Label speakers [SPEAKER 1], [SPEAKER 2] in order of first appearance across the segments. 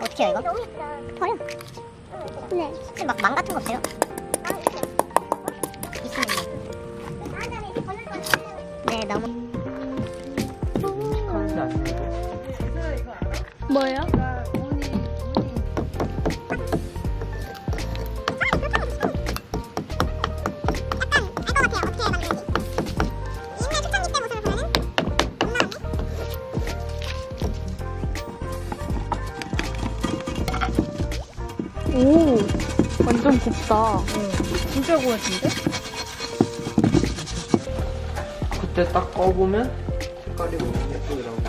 [SPEAKER 1] 어떻게 해요 이거?
[SPEAKER 2] 너무 예쁘다.
[SPEAKER 1] 버려.
[SPEAKER 2] 네.
[SPEAKER 1] 혹시 막 망 같은 거 돼요? 있으면 네 너무
[SPEAKER 3] 하는지 아니고
[SPEAKER 4] 뭐예요? 오, 완전 곱다.
[SPEAKER 5] 진짜 고와진데?
[SPEAKER 3] 그때 딱 꺼보면 색깔이 너무 예쁘더라고.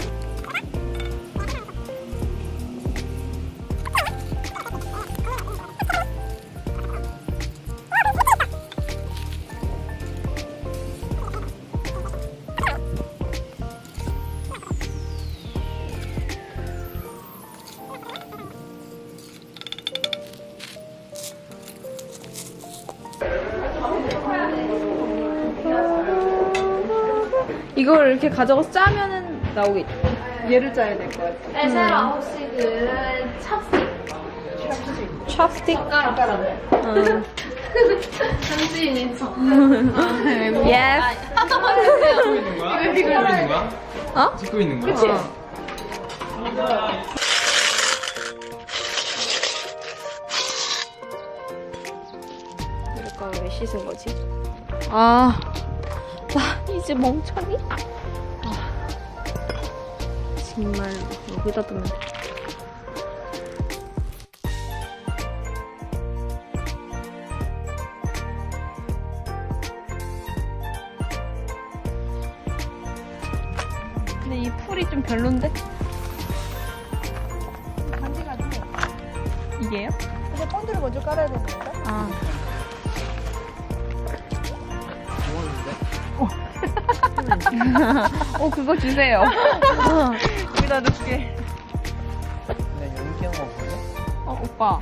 [SPEAKER 4] 이걸 이렇게 가져가서 짜면은 나오겠지.
[SPEAKER 5] 얘를 짜야 될 것 같아.
[SPEAKER 6] 에세라 혹시 그 찹스틱
[SPEAKER 4] 찹스틱?
[SPEAKER 5] 숟가락.
[SPEAKER 6] 현지인인 척.
[SPEAKER 4] 예스.
[SPEAKER 3] 찍고 있는 거야? 찍고 있는 거야?
[SPEAKER 4] 어?
[SPEAKER 3] 찍고 있는 거야?
[SPEAKER 4] 그치? 이럴까 왜 씻은 거지? 아, 나 이제 멍청이? 아, 정말 여기다 두면 돼. 근데 이 풀이 좀 별론데?
[SPEAKER 5] 간지가지고.
[SPEAKER 4] 이게요?
[SPEAKER 5] 근데 본드를 먼저 깔아야 되는 건가?
[SPEAKER 4] 아. 그거 주세요.
[SPEAKER 5] 여기다 넣게.
[SPEAKER 3] 그냥 연기한 거 없거든?
[SPEAKER 4] 오빠.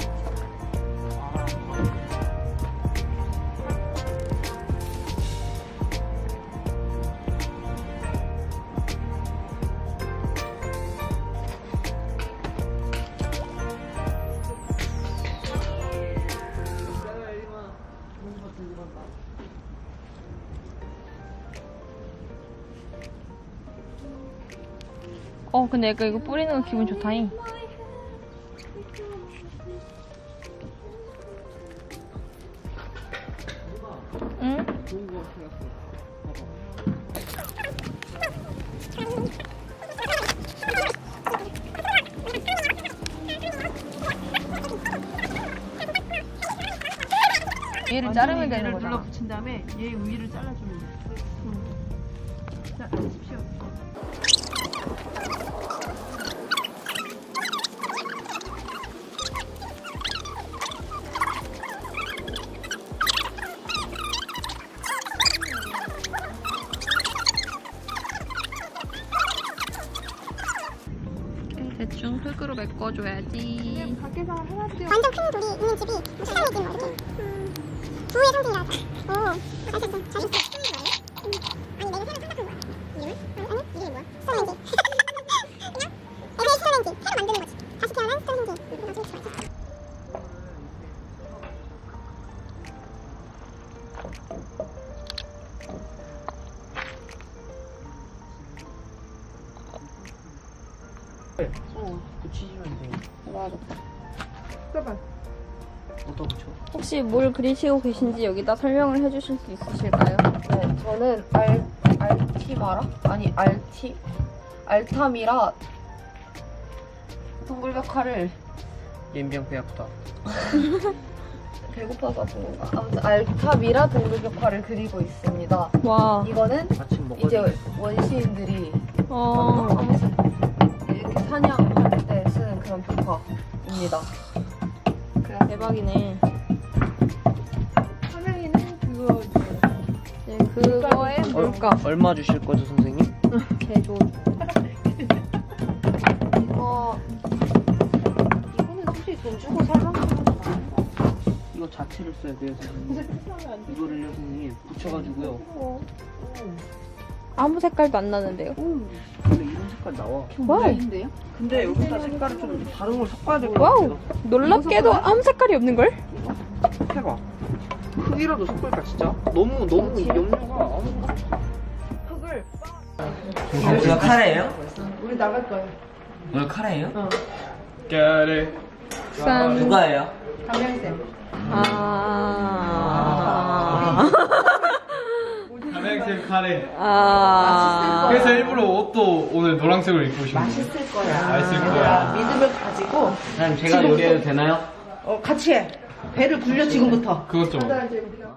[SPEAKER 4] 근데 약간 이거 뿌리는 거 기분 좋다잉. 응? 얘를 자르면 되는
[SPEAKER 5] 얘를
[SPEAKER 4] 거잖아.
[SPEAKER 5] 눌러 붙인 다음에 얘 위를 잘라주면 돼. 자, 앉으십시오.
[SPEAKER 4] 대충 흙으로 메꿔줘야지.
[SPEAKER 5] 밖에서 해놨어요.
[SPEAKER 2] 완전 큰 돌이 있는 집이 사장이지 뭐 이렇게. 부의 상징이라서. 오, 잘했어. 잘했어. 아니 내가 새로 생각한 거야. 이름을? 아니 이름이 뭐야? 스톤렌지. 그냥 에세이 스톤렌지. 새로 만드는 거지. 다시 태어난 스톤렌지. 나중에 좋아했어.
[SPEAKER 3] 붙이시면 돼요.
[SPEAKER 5] 써봐.
[SPEAKER 3] 어디다 붙여?
[SPEAKER 4] 혹시 뭘 그리시고 계신지 여기다 설명을 해주실 수 있으실까요?
[SPEAKER 7] 네, 저는 알티마라? 아니, 알타미라 동굴벽화를
[SPEAKER 3] 연병 배 아프다.
[SPEAKER 7] 배고파서 그런 건가? 아무튼 알타미라 동굴벽화를 그리고 있습니다.
[SPEAKER 4] 와.
[SPEAKER 7] 이거는
[SPEAKER 3] 아침 먹어야
[SPEAKER 7] 이제
[SPEAKER 3] 돼.
[SPEAKER 7] 원시인들이
[SPEAKER 4] 어.
[SPEAKER 7] 이렇게 사냥할 때 쓰는 그런 벽화입니다.
[SPEAKER 4] 대박이네.
[SPEAKER 5] 화면에는 그거
[SPEAKER 4] 네, 그거에 물감.
[SPEAKER 3] 얼마 주실 거죠, 선생님?
[SPEAKER 4] 개조.
[SPEAKER 7] 이거는 솔직히 돈 주고 살 만한 건 아닌 것 같아요.
[SPEAKER 3] 이거 자체를 써야 돼요, 선생님. 이거를요, 선생님. 붙여가지고요.
[SPEAKER 4] 아무 색깔도 안 나는데요?
[SPEAKER 3] 근데 이런 색깔 나와.
[SPEAKER 4] 와우.
[SPEAKER 3] 근데 여기다 색깔을 좀 다른 걸 섞어야 될 것 같아.
[SPEAKER 4] 와우. 놀랍게도 아무 색깔이 없는걸?
[SPEAKER 3] 해봐. 흙이라도 섞을까 진짜? 너무 염료가 아무것도
[SPEAKER 8] 이거 카레예요?
[SPEAKER 5] 우리 나갈 거야.
[SPEAKER 8] 이거 카레예요?
[SPEAKER 3] 까레.
[SPEAKER 4] 짠.
[SPEAKER 8] 누가예요?
[SPEAKER 5] 강명쌤.
[SPEAKER 9] 담양색 카레.
[SPEAKER 4] 아.
[SPEAKER 9] 그래서 일부러 옷도 오늘 노란색으로 입고 오신 거예요.
[SPEAKER 5] 맛있을 거야.
[SPEAKER 9] 맛있을 거야.
[SPEAKER 5] 믿음을 가지고
[SPEAKER 3] 사장님 제가 요리해도 되나요?
[SPEAKER 5] 같이 해. 배를 굴려 지금부터.
[SPEAKER 9] 그것 좀.